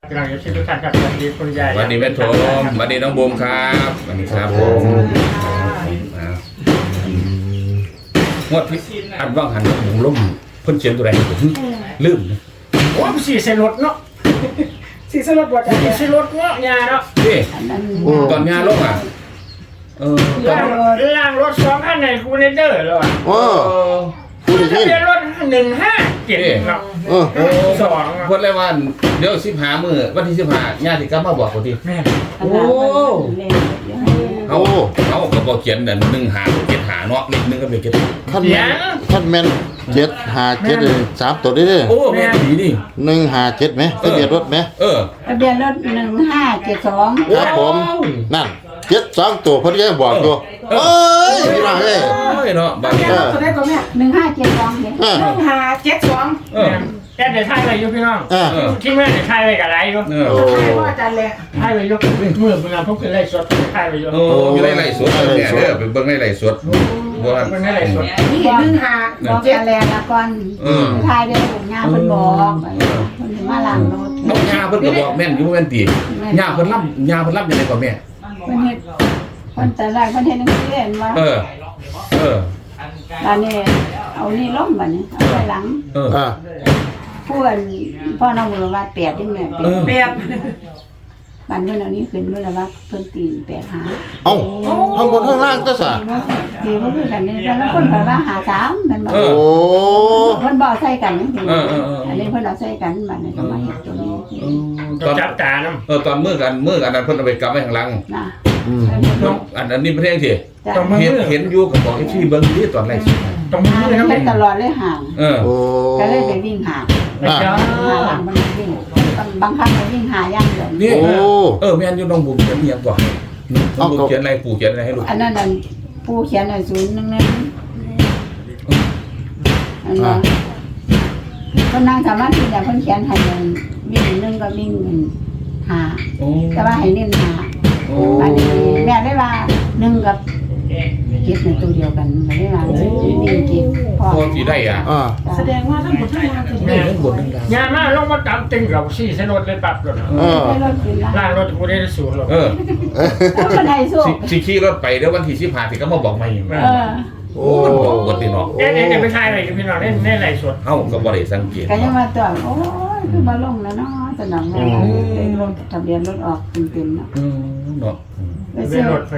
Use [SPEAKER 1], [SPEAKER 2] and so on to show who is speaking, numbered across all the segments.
[SPEAKER 1] กำลังจะชิมทุกท่านครับสวัสดีคุณยาย
[SPEAKER 2] วันนี้แม่โถมวันนี้น้องบูมครับวันนี้ครับผมงวดที่อันว่างหันผมล้มเพิ่นเขียนตัวไหนผมลืม
[SPEAKER 1] โอ้สีเซรถเนาะสีเซรถบดสีเซรถเนาะยาเนาะ
[SPEAKER 2] นี่ตอนงานลงอ่ะ
[SPEAKER 1] ล่างรถ2คันในคูเนเดอร์แล้วอ่ะ
[SPEAKER 3] โอ้ผู้ได้ยิน
[SPEAKER 1] ทะเบียนรถ157เนาะ
[SPEAKER 3] โอ้
[SPEAKER 1] 2
[SPEAKER 2] เพิ่นเลยว่าเดี๋ยว15มื้อวันที่15ญาติกลับมาบอกพอดี
[SPEAKER 1] แม่
[SPEAKER 2] โอ้เขาก็บอกเขียนนั่น1-5-7-5เนาะเลข1ก็เป็น7
[SPEAKER 3] ขั้นแม่น757 3ตัวได้เด้อ
[SPEAKER 2] โอ้แม่ดีนี่
[SPEAKER 3] 157ไหมทะเบียนรถไหม
[SPEAKER 4] ทะเบียนรถ1572
[SPEAKER 3] ครับผมนั่น72ตัวเพิ่นยังบอกอยู่เอ้ยพี่น้องเอ้ย
[SPEAKER 2] เนาะบาง
[SPEAKER 1] ตัวได้ก็แม่
[SPEAKER 4] 1572เนี่ย
[SPEAKER 1] แกเดี๋ยวถ่ายไว้อยู่พี่น้องที่แม่เดี๋ยวถ่ายไว้กับอะไรอยู่
[SPEAKER 3] โอ้
[SPEAKER 1] ถ่ายไว้อยู่เมื่อเวลาพวกคือไล่สดถ่ายไว้อยู่
[SPEAKER 2] โอ้อยู่ในไร่สวนเนี่ยเด้อไปเบิ่งในไร่สวนบ่ว่า
[SPEAKER 1] เป็นไล่สด
[SPEAKER 4] นี่บอกกันแล้วละก่อนทายได้ผมย่าเพิ่นบอกเพิ่นมาล้างรถ
[SPEAKER 2] เอาย่าเพิ่นก็บอกแม่นอยู่บ่แม่นติย่าเพิ่นรับยังไงกว่าแม่
[SPEAKER 4] เพิ่นเฮ็ดเพิ่นแต่แรกเพิ่นเฮ็ดจังซี่เห็นว่า ตอนนี้เอานี่ล้มบัดนี้เอาไว้หลังผู้อันพ่อน้องบุรวัตร8นี่แม่8บัดนี้เอานี้ขึ้นบุรวัตรเพิ่นตี8หา
[SPEAKER 3] เอ้าข้างบนข้างล่างก็ซะ
[SPEAKER 4] ตีบ่คือกันนี่แต่ละคนเพิ่นว่าหา3มันบ่
[SPEAKER 3] โอ้
[SPEAKER 4] เพิ่นบ่ใส่กันจังซี่อันนี้เพิ่นเอาใส่กันบัดนี้ก็มาเฮ็ดตัวนี้
[SPEAKER 1] ต้องจับตาน้ำ
[SPEAKER 2] ตอนมื้อกันนั้นเพิ่นเอาไปกลับไว้ข้างหลัง
[SPEAKER 4] นะ
[SPEAKER 2] อันนี้ประเทศสิ
[SPEAKER 1] ต้องมือ
[SPEAKER 2] เห็นอยู่ก็บอกให้พี่เบิ่งดิตอนไร่สวน
[SPEAKER 1] ต้องมือเลยนะ
[SPEAKER 4] เฮ็
[SPEAKER 1] แม่
[SPEAKER 4] ดตลอดเลยห่าง
[SPEAKER 3] โอ้
[SPEAKER 4] ก็เลยไปวิ่งหาหาหลังมันวิ่งบางครั้งไปวิ่งหาอย่างเดียว
[SPEAKER 2] นี่แม่นอยู่น้องบุ๋มเขียนเอียงก่อนน้องบุ๋มเขียนอะไรปู่เขียนอะไรให้ลูก
[SPEAKER 4] อันนั้นผู้เขียน011อันนั้นเพิ่นนั่งสมาธิแต่เพิ่นเขียนให้วิ่ง1ก็วิ่งหาแต่ว่าให้เน้นหาอันนี้แม่ได้ว่า1กับ7ในตัวเดียวกันไม่ได้ว่าวิ่ง7พอ
[SPEAKER 2] พอสิได้อ่ะ
[SPEAKER 5] แสดงว่าทั้งหมดทั้งมวลคือ
[SPEAKER 2] แม่ทั้งบนทั้งล่าง
[SPEAKER 1] ยามาลงมาตามตึงกับสี่เส้นรถเลยปรับรถ
[SPEAKER 4] ให้รถขึ้นละ
[SPEAKER 1] ล่างรถกูได้สูงรถ
[SPEAKER 4] แล้วคนไทยสู้
[SPEAKER 2] สิขี่รถไปเดี๋ยววันที่15สิก็มาบอกใหม่
[SPEAKER 3] โอ้
[SPEAKER 2] มันบอกกดติเนาะ
[SPEAKER 1] เอ๊ะไปถ่ายอะไรกันพี่น้องเล่นไรสด
[SPEAKER 2] เฮาก็บ่ได้สังเกต
[SPEAKER 4] ก็ยังมาตัวโอ้ยคือมาลงแล้วเนาะสนองแม่เลยรถทะเบียนรถออกเต็มๆเนาะ
[SPEAKER 2] เนาะ
[SPEAKER 4] ไป
[SPEAKER 1] เป็
[SPEAKER 4] ซื้
[SPEAKER 1] น
[SPEAKER 4] อ
[SPEAKER 1] รถ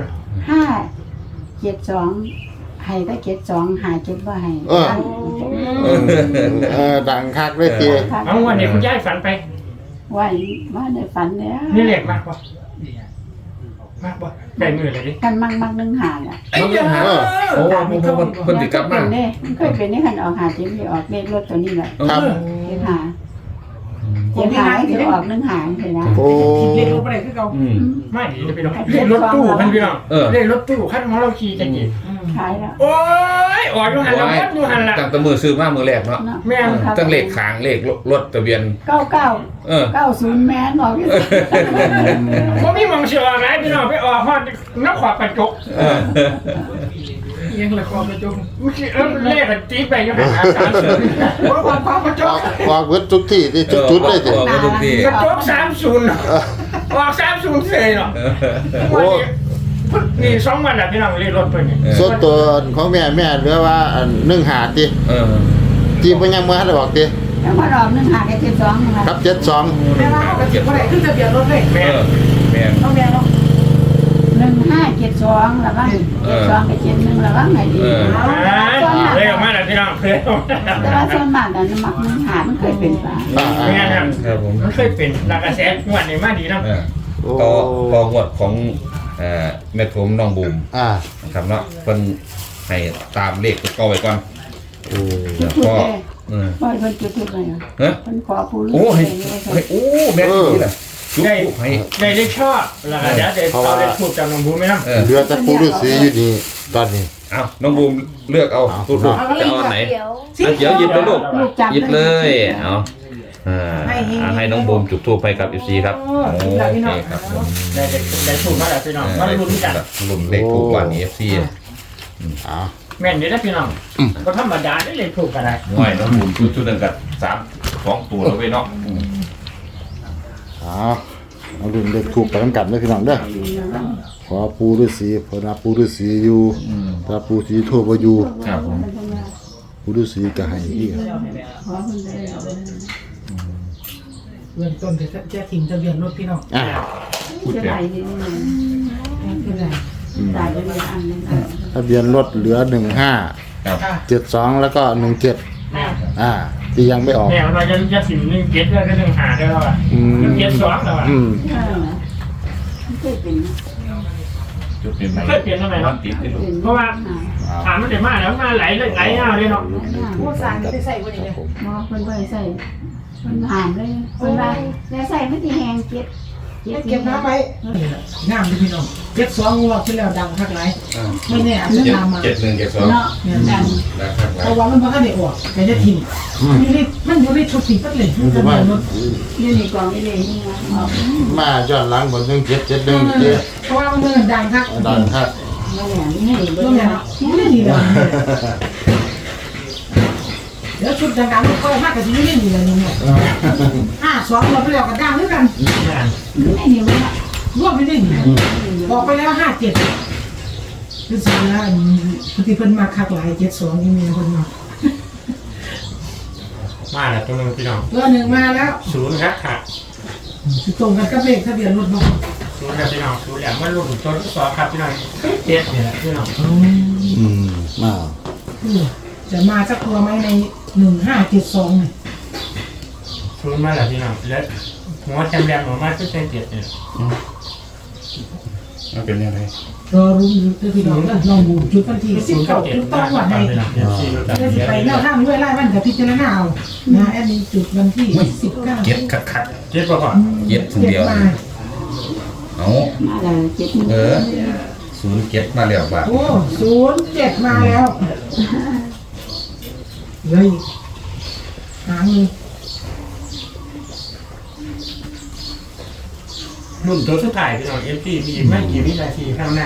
[SPEAKER 4] 572ให้ได้72หา7บ่ให้
[SPEAKER 3] ดังคักเลยที
[SPEAKER 1] เอาวันนี้คุณยายฝันไป
[SPEAKER 4] ไว้ว่าได้ฝันแล้ว
[SPEAKER 1] นี่เล็กมากกว่า มากกว่าได้มือเลยดิ
[SPEAKER 4] กันมัก1หาล่ะ
[SPEAKER 2] มันยังหาโอ้เพิ่นสิกลับมา
[SPEAKER 4] เคยเป็นนี่คันออกหา7สิออกเลขรถตัวนี้แหละ
[SPEAKER 3] ครับ
[SPEAKER 4] 7หา7หาสิออก1หาสินะ
[SPEAKER 3] โอ้
[SPEAKER 5] เรียนรู้ไปไหนคือเขา
[SPEAKER 1] ไม่ดีจะไปน้องเล่นรถตู้พันพี่น้องเล่นรถตู้ขั้นของเราขี่จะกี่
[SPEAKER 4] ขายแล้ว
[SPEAKER 1] โอ้ยออกอยู่หันละวัดอยู่หันละ
[SPEAKER 2] ตั้งแต่มือซื้อมามือแรกเนาะ
[SPEAKER 1] แม่
[SPEAKER 2] ตั้งเลขขางเลขรถทะเบียน
[SPEAKER 4] 90แม่นออกอยู่
[SPEAKER 1] ผมมีมองเชื่ออะไรพี่น้องไปออกฮอดนักขวากระจก
[SPEAKER 5] ยังละครประจง
[SPEAKER 1] เลขตีไปยังหัน30
[SPEAKER 5] ว่าความประจง
[SPEAKER 3] วางเวิร์ดทุกที่ที่จุดเลยที
[SPEAKER 2] ทุกที่
[SPEAKER 1] กระจก30ออก30เสยเนาะนี่2วันแล้วพี่น้องเรียกรถไปนี่
[SPEAKER 3] ส่วนตัวของแม่เหลือว่า1หาทีที่เพิ่นยังบ่ทันได้บอกที
[SPEAKER 4] แล้วมารอบ1หาแค่72นะคะ
[SPEAKER 3] ครับ72
[SPEAKER 5] แม่ว่าเขากระเจ็บว่าไหนขึ้นทะเบียนรถเลย
[SPEAKER 1] แม่
[SPEAKER 2] แม่
[SPEAKER 5] ต้องแม่เนาะ
[SPEAKER 4] 1572แล้วก็72กับ71แล้วก็ไงดี
[SPEAKER 1] เลยออกมาแล้วพี่น้องเลย
[SPEAKER 4] แต่ว่าส่วนมากอันมัก1หามันเคยเป็นป่ะ
[SPEAKER 1] แม่ครับ
[SPEAKER 2] ครับผม
[SPEAKER 1] มันเคยเป็นหลักกระแสงวดนี้มาดีนะ
[SPEAKER 2] ต่องวดของแม่ผมน้องบูม นะครับเนาะเพิ่นให้ตามเลขก็ไว้ก่อน
[SPEAKER 4] จุด
[SPEAKER 2] ก็
[SPEAKER 4] บ่เพิ่นจุดเลยเพิ่นขอผู้รู้
[SPEAKER 2] โอ้ให้แม่นี่แหละจุ๊บให้
[SPEAKER 1] ได้ชอบแล้วเดี๋ยวเอาได้พูดกับน้องบูมไหมครับ
[SPEAKER 3] เหลือแต่ผู้ฤาษีอยู่นี่ตอนนี้
[SPEAKER 2] เอาน้องบูมเลือกเอาลูกจะเอาไหนเดี๋ยวหยิบเลยลูกหยิบเลยเอาให้น้องบูมจุดทูปให้กับอีซีครับโอเคครับผม
[SPEAKER 1] ได้ถูกมาแล้วพี่น้องมาลุ้นกัน
[SPEAKER 2] ลุ้นเลขถูกกว่านี้เอฟซี
[SPEAKER 1] แม่นนี่นะพี่น้องก็ธรรมดาได้เลยถูกกันได้
[SPEAKER 2] ง่อยน้องบูมชุดหนึ่งกับ2 ตัวแล้วเว้ยเนาะ
[SPEAKER 3] เอารุ่นเด็กถูกไปทั้งกันเด้อพี่น้องเด้อขอปูฤาษีพอนาปูฤาษีอยู่ถ้าปูสีทั่วบ่อยู่
[SPEAKER 2] ครับผม
[SPEAKER 3] ปูฤาษีก็ให้อีก
[SPEAKER 4] ขอเพิ่นได้เอา
[SPEAKER 5] เบื้องต้นจะทิ้งทะเบียนรถพี่น้อง
[SPEAKER 4] จะได้นี่นี่
[SPEAKER 5] คืออะไร
[SPEAKER 4] ได้ไปเลยอันนึง
[SPEAKER 3] ทะเบียนรถเหลือ15
[SPEAKER 2] ครับ
[SPEAKER 3] 72แล้วก็17ที่ยังไม่ออก
[SPEAKER 1] แม่เราจะถึง1 7แล้วก็1 5ได้แล้วอ่ะ1 7 2แล้วอ่ะ
[SPEAKER 4] เคยเป็น
[SPEAKER 2] จุดเปลี่ยนใหม่
[SPEAKER 1] เคยเปลี่ยนทำไมเนาะ
[SPEAKER 2] ติดที่ลูก
[SPEAKER 1] เพราะว่าถามมันได้มาแล้วมาไหลเลยไหลเอาเลยเนาะ
[SPEAKER 5] พวกสารจะใส่วันนี้เลย
[SPEAKER 4] หมอเพิ่นบ่ใส่เพิ่นหามเลยเพิ่นว่าแล้วใส่มันสิแห้งเก็บ
[SPEAKER 5] เก็บน้ำไว้งามดีพี่น้อง72งวดที่แล้วดังคักหลายไม่แน่อาจจะตามมา
[SPEAKER 2] 7172
[SPEAKER 4] เนาะดัง
[SPEAKER 2] นะครับ
[SPEAKER 5] เพราะว่ามันบ่ทันได้ออกแต่จะทิ้งมันอยู่ในชุดทิ้งปั๊บเลย
[SPEAKER 3] มันจะมา
[SPEAKER 4] อยู่ในกล่องนี่เลยนี่ออก
[SPEAKER 3] มาย้อนหลังบน1771
[SPEAKER 5] เพราะว่ามันดังคัก
[SPEAKER 3] ดันครับ
[SPEAKER 4] บ่แม่นนี่เบิ่
[SPEAKER 5] ก็
[SPEAKER 4] ง
[SPEAKER 5] แม่
[SPEAKER 4] เนาะ
[SPEAKER 5] ไม่ดีเลยเดี๋ยวชุดดังๆมันค่อยมากกับที่นี่นี่เลยเนี่ย52เราไปแล้วก็ดังด้วยกัน
[SPEAKER 4] ไม่นี่มัน
[SPEAKER 5] รวมไปได้นี่บอกไปแล้ว57คือสิแล้วที่เพิ่นมาคักหลาย72นี่มีเพิ่นมา
[SPEAKER 1] มาแล้วตรงนึงพี่น้อง
[SPEAKER 5] ตัวหนึ่งมาแล้ว
[SPEAKER 1] 0ครับค่ะ
[SPEAKER 5] ตรงกันกับเลขทะเบียนรถเนาะ
[SPEAKER 1] 0ครับพี่น้อง0แล้วมันรุ่นต้น2ครับพี่น้อง7นี่แหละพี่น้อง
[SPEAKER 3] มา
[SPEAKER 5] จะมาสักตัวไหมใน1572เนี่ย
[SPEAKER 1] 0มาแล้วพี่น้องแล้วหัวจำแรงหัวมาคือ7เนี่ย
[SPEAKER 2] มันเป็นยังไง
[SPEAKER 5] รอรู้อยู่พี่น้องลองดูจุดวันที่19จุดต้องวันไหนจะไปแนวทางด้วยไล่วันกับพิจารณาเอานะแอดมินจุดวันที่19
[SPEAKER 2] เก็บขัด
[SPEAKER 1] 7ป่ะก่อน
[SPEAKER 2] เก็บคนเดียว
[SPEAKER 5] มา
[SPEAKER 2] เอา
[SPEAKER 4] มาแล้วเจ็ด
[SPEAKER 2] 07มาแล้วบ่า
[SPEAKER 5] โอ้07มาแล้วเลยหางเลย
[SPEAKER 1] รุ่นตัวสุดท้ายพี่น้อง FG มีไม่กี่วินาทีข้างหน้า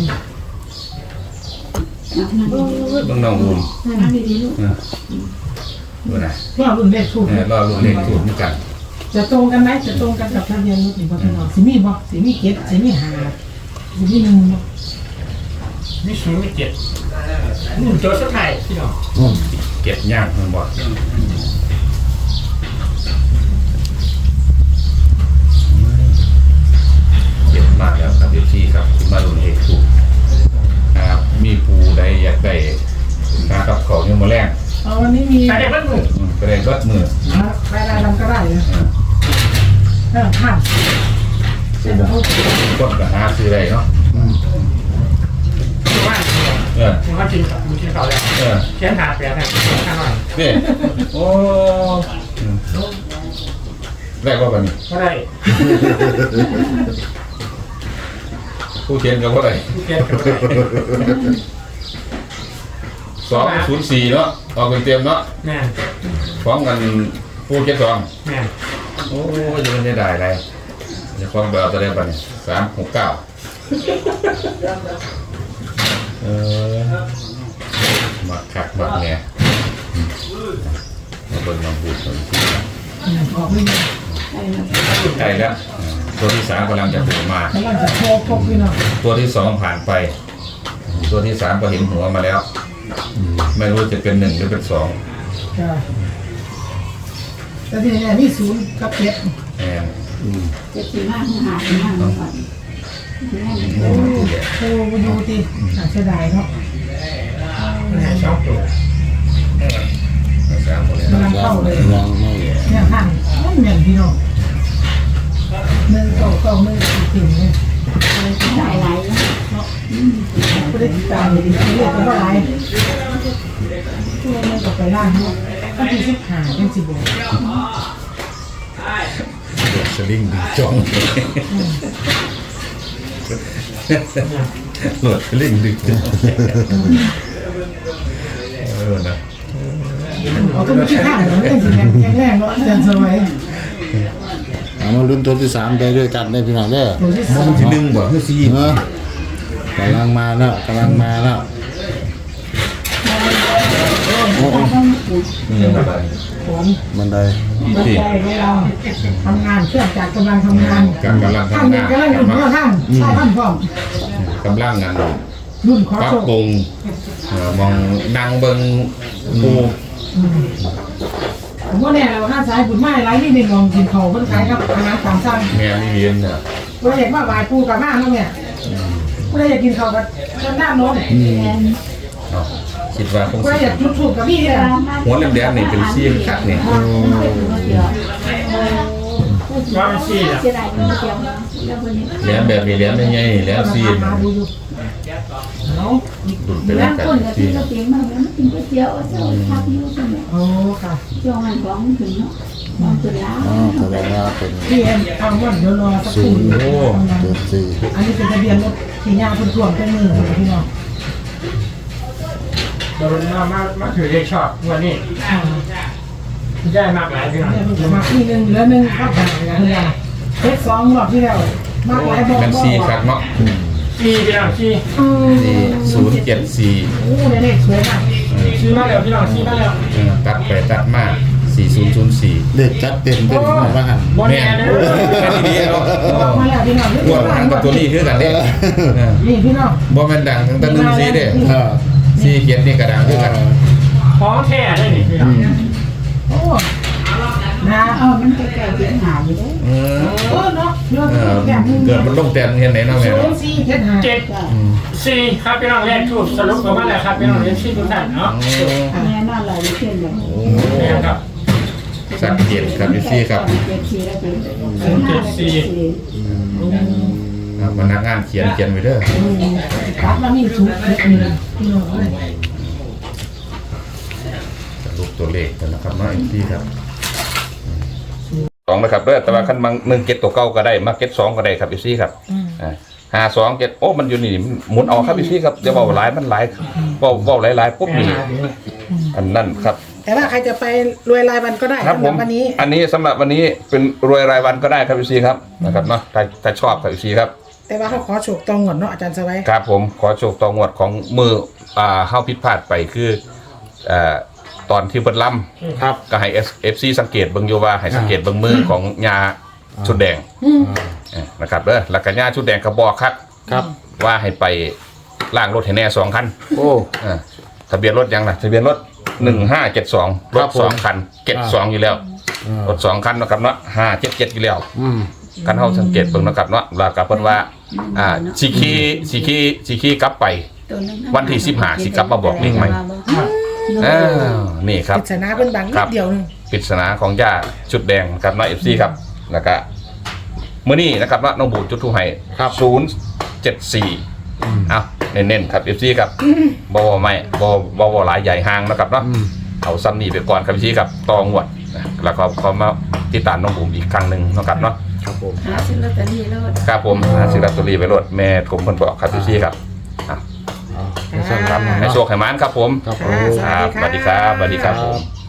[SPEAKER 2] เบิ่งน้องอุ้ม
[SPEAKER 4] นั่งดีๆลูก
[SPEAKER 2] ดูนะ
[SPEAKER 5] รอบรุ่นเลขถูก
[SPEAKER 2] รอรุ่นเลขถูกเหมือนกัน
[SPEAKER 5] จะตรงกันไหมจะตรงกันกับทะเบียนรถหรือเปล่าพี่น้องสิมีบ่สิมีเก็ดสิมีหาสิมีหนึ่งบ่
[SPEAKER 1] มี0มี7รุ่นตัวสุดท้ายพี่น้อง
[SPEAKER 2] เก็บย่างเพิ่นบ่เก็บมากแล้วครับพี่ครับมารุ่นเลขถูกครับมีผู้ใดอยากได้กับของยังบ่แรง
[SPEAKER 5] วันนี้มี
[SPEAKER 1] ใส่ได้เพิ่มมือ
[SPEAKER 2] ก็ได้รถมือ
[SPEAKER 5] รายได้ทำก็ได้นะผ่านเส้นโอ้
[SPEAKER 2] คนก็หาซื้อได้เนาะ
[SPEAKER 1] ว่า ผมว่าจริงครับมีที่เขาแล้วเขียนหาแปลกข้างหน่อย
[SPEAKER 2] นี่โอ้แรกว่าแบบนี้
[SPEAKER 1] ก็ได้
[SPEAKER 2] ผู้เขียนก็ว่าไร
[SPEAKER 1] เขียนก็ได้
[SPEAKER 2] 204เนาะออกเป็นเต็มเนาะ
[SPEAKER 1] แม่
[SPEAKER 2] ฟ้องกันผู้เขียนสอง
[SPEAKER 1] แม่
[SPEAKER 2] โอ้ยจะไม่ได้อะไรจะฟ้องแบบตัวเดียวกัน369มาขักมาแง่มาเบิ่งมาพูดกัน
[SPEAKER 5] ออกไม่ได้
[SPEAKER 2] ใกล้แล้วตัวที่3กำลังจะโผล่มา
[SPEAKER 5] แล้วจะโชว์พกพี่น้อง
[SPEAKER 2] ตัวที่2ผ่านไป ตัวที่3ก็เห็นหัวมาแล้ว ไม่รู้จะเป็น1หรือเป็น2
[SPEAKER 5] แต่ที่นี่มี0กับ7
[SPEAKER 2] แอน
[SPEAKER 4] เจ็ดสี่ห้าหาสี่ห้าก่อน
[SPEAKER 5] โอ้โหดูดิเสียดายเนาะ
[SPEAKER 1] แม่ชอบตัว
[SPEAKER 2] 3คน
[SPEAKER 5] กำลังเข้าเลย
[SPEAKER 3] ยังไม่
[SPEAKER 5] เนี่ยท่านนั่นเหมือนพี่น้อง1 2 2 1 4เนี่ย
[SPEAKER 4] ได้หลาย
[SPEAKER 5] ไม่ได้ติดตามเลยดิเรียกกันว่าอะไรช่วงนึงก็ไปล่างเนาะก็ที่15เป็น10บาท
[SPEAKER 2] สลิงดีจ้องโหลดสลิงดีจ้องนะ
[SPEAKER 5] เอาก็ไม่ใช่ข้างเหรอไม่ใช่แข็งแรงเนาะเดินสมัย
[SPEAKER 3] เอามาลุ้นตัวที่3ได้ด้วยกันได้พี่น้องเด้อ
[SPEAKER 5] ตัวที่
[SPEAKER 2] มันที่1บ่คือ4
[SPEAKER 3] เนาะกำลังมาแล้วกำลังมาแล้ว
[SPEAKER 4] ต
[SPEAKER 2] ยังไง
[SPEAKER 5] ผม
[SPEAKER 3] บันได
[SPEAKER 5] บันไดให้เราทำงานเครื่องจักรกำลังทำงาน
[SPEAKER 2] กำลัง
[SPEAKER 5] ท่าน
[SPEAKER 2] ทำ
[SPEAKER 5] นี้
[SPEAKER 2] งาน
[SPEAKER 5] กำลังอยู่หัวท่านใช่ท่านพร้อม
[SPEAKER 2] กำลังงาน
[SPEAKER 5] รุ่นขอ
[SPEAKER 2] ปรับ
[SPEAKER 5] โชค
[SPEAKER 2] ปรุงมองดังเบิงปู
[SPEAKER 5] ผมว่าเนี่ยเราห้าสายบุญไม้ไรนี่ในมองกินเขาเพิ่นขายกับอาหารตามสั่ง
[SPEAKER 2] แม่นี่เรียนเนี่ย
[SPEAKER 5] เราอยากมาไหว้ปูกับมาเนาะเนี่ยเราอยากกินเขากับต้นน้ำนม
[SPEAKER 2] คิดว่าคง
[SPEAKER 5] เราอยากจุดถูกกับพี่เนี่ย
[SPEAKER 2] หัวแหลมๆนี่เป็นซีนคักนี่
[SPEAKER 1] ว่ามันซี่อ่ะ
[SPEAKER 2] แหลมแบบนี้แหลมยังไงแหลมซีน
[SPEAKER 5] มาดูอยู่เนาะ
[SPEAKER 2] ดุนเป็น
[SPEAKER 4] แล้ว
[SPEAKER 2] แบบ
[SPEAKER 4] คนก็
[SPEAKER 2] ซี
[SPEAKER 4] กิน
[SPEAKER 2] น
[SPEAKER 4] ก๋วยเตี๋ยวมาแล้วกินก๋วยเตี๋ยวเจ้าพักอยู่ซั่นแหละ
[SPEAKER 5] โอ้ค่ะ
[SPEAKER 4] ช่วงนั้นของถึงเนาะมองตัวแล้ว
[SPEAKER 3] แสดงว่าเป็น
[SPEAKER 5] พี่เอ็มทำว่าเดี๋ยวรอสักครู่
[SPEAKER 3] 074
[SPEAKER 5] อันนี้เป็นทะเบียนรถที่ย่าคนถ่วงเป็นมือของพี่น้อง
[SPEAKER 1] เรามาถือเลขชอบวันนี้ได้มากหลายพี่น้อง
[SPEAKER 5] เนี่ยเพิ่งมาที่หนึ่งเหลือหนึ่งครับเนี่ยเพชรสองรอบที่แล้วมากหลายบอก
[SPEAKER 2] แม่นซีคักเนาะ
[SPEAKER 1] ซี่พี่น้องซี่
[SPEAKER 2] นี่074
[SPEAKER 5] โอ้เนี่ยเลขสวยมาก
[SPEAKER 1] ซี่มาแล้วพี่น้องซี่มาแล้ว
[SPEAKER 2] ตัดไปตัดมา4004
[SPEAKER 3] เลขจัดเต็มเป็นหมดว่าหัน
[SPEAKER 1] บอลแอนเด้อ
[SPEAKER 2] แม่นดีเนาะ
[SPEAKER 5] บอกมาแล้วพี่น้อง
[SPEAKER 2] หัวมันกับตัวนี้คือกันเด้
[SPEAKER 5] นี่พี่น้อง
[SPEAKER 2] บ่แม่นดังทั้งตะลึงซีเด้ซีเขียนนี่ก็ดังคือกัน
[SPEAKER 1] ของแท้ได้นี่พี่น้อง
[SPEAKER 5] โอ้นะ
[SPEAKER 4] มันใกล้ๆเสียงหาอยู่เด้
[SPEAKER 5] เออเนาะเนาะ
[SPEAKER 2] เกิดมันลงแต้มเห็นไหนเนาะแม่
[SPEAKER 5] ศู
[SPEAKER 2] เนาะ
[SPEAKER 5] นย์สี่เจ็ดห้า
[SPEAKER 1] 7 4ครับพี่น้องเลขถูกสรุปออกมาแล้วครับพี่น้องเลขซี่ทุกท่านเนาะ
[SPEAKER 4] แม่นอนหลับอยู่เช่นแบบ
[SPEAKER 1] นี่ครับ
[SPEAKER 2] สักเกียรติครับพี่ซีครับ
[SPEAKER 4] 74แล้วเป็น
[SPEAKER 2] พนักงานเขียนไว้เด้อ
[SPEAKER 5] ครับแล้วมีศูนย์เจ็ดหนึ่งพี่น้องเลย
[SPEAKER 2] สรุปตัวเลขกันนะครับเนาะพี่ครับ2นะครับเด้อแต่ว่าคันบาง1เก็ตตัวเก่าก็ได้มาเก็ต2ก็ได้ครับพี่ซีครับ52เก็ตโอ้มันอยู่นี่หมุนเอาครับพี่ซีครับเดี๋ยวเว้าหลายมันหลายเว้าหลายๆปุ๊บนี่อันนั้นครับ
[SPEAKER 5] แต่ว่าใครจะไปรวยรายวันก็ได้
[SPEAKER 2] ครับผม
[SPEAKER 5] วันนี้
[SPEAKER 2] อันนี้สำหรับวันนี้เป็นรวยรายวันก็ได้ครับพี่ซีครับนะครับเนาะถ้าชอบครับพี่ซีครับ
[SPEAKER 5] แต่ว่าเขาขอโฉกตองหวนเนาะอาจารย์สวัย
[SPEAKER 2] ครับผมขอโชคต่องวดของมือเฮาผิดพลาดไปคือตอนที่เพิ่นล่ำ
[SPEAKER 3] ครับ
[SPEAKER 2] ก็ให้ FC สังเกตเบิ่งอยู่ว่าให้สังเกตเบิ่งมือของยาชุดแดงนะครับเด้อแล้วก็ยาชุดแดงก็บอกครับ
[SPEAKER 3] ครับ
[SPEAKER 2] ว่าให้ไปล้างรถให้แน่2คัน
[SPEAKER 3] โอ้
[SPEAKER 2] ทะเบียนรถยังล่ะทะเบียนรถ1572ร
[SPEAKER 3] ครั
[SPEAKER 2] ถ
[SPEAKER 3] บผม
[SPEAKER 2] 2คัน72อยู่แล้วรถ2คันนะครับเนาะ577อยู่แล้ว กันเฮาสังเกตเบิ่งนะครับเนาะแล้วก็เพิ่นว่าสิขี่กลับไป วันที่15สิกลับมาบอกนิ่งไหมนี่ครับ
[SPEAKER 5] ปริศนาเป็นบางนิดเดียวนึง
[SPEAKER 2] ปริศนาของย่าชุดแดงกับน้อย FC ครับแล้วก็มื้อนี้นะครับว่าน้องบูจุดทูให้
[SPEAKER 3] ครับ
[SPEAKER 2] 074เอ้าเน้นๆครับ FC ครับบ่ไม่บ่หลายใหญ่ห่างนะครับเนาะเอาซ้ำนี่ไปก่อนครับ FC ครับต่องวดแล้วก็เขามาติดตามน้องบูมอีกครั้งนึงนะครับเนาะ
[SPEAKER 3] ครับผม
[SPEAKER 4] หาซื้อลอตเตอรี่แล้ว
[SPEAKER 2] ครับผมซื้อลอตเตอรี่ไปโหลดแม่ผมเพิ่นบอกครับพี่ครับครับให้โชคให้หมานครับผม
[SPEAKER 3] ครับผม
[SPEAKER 2] ครับสวัสดีครับสวัสดีครับผม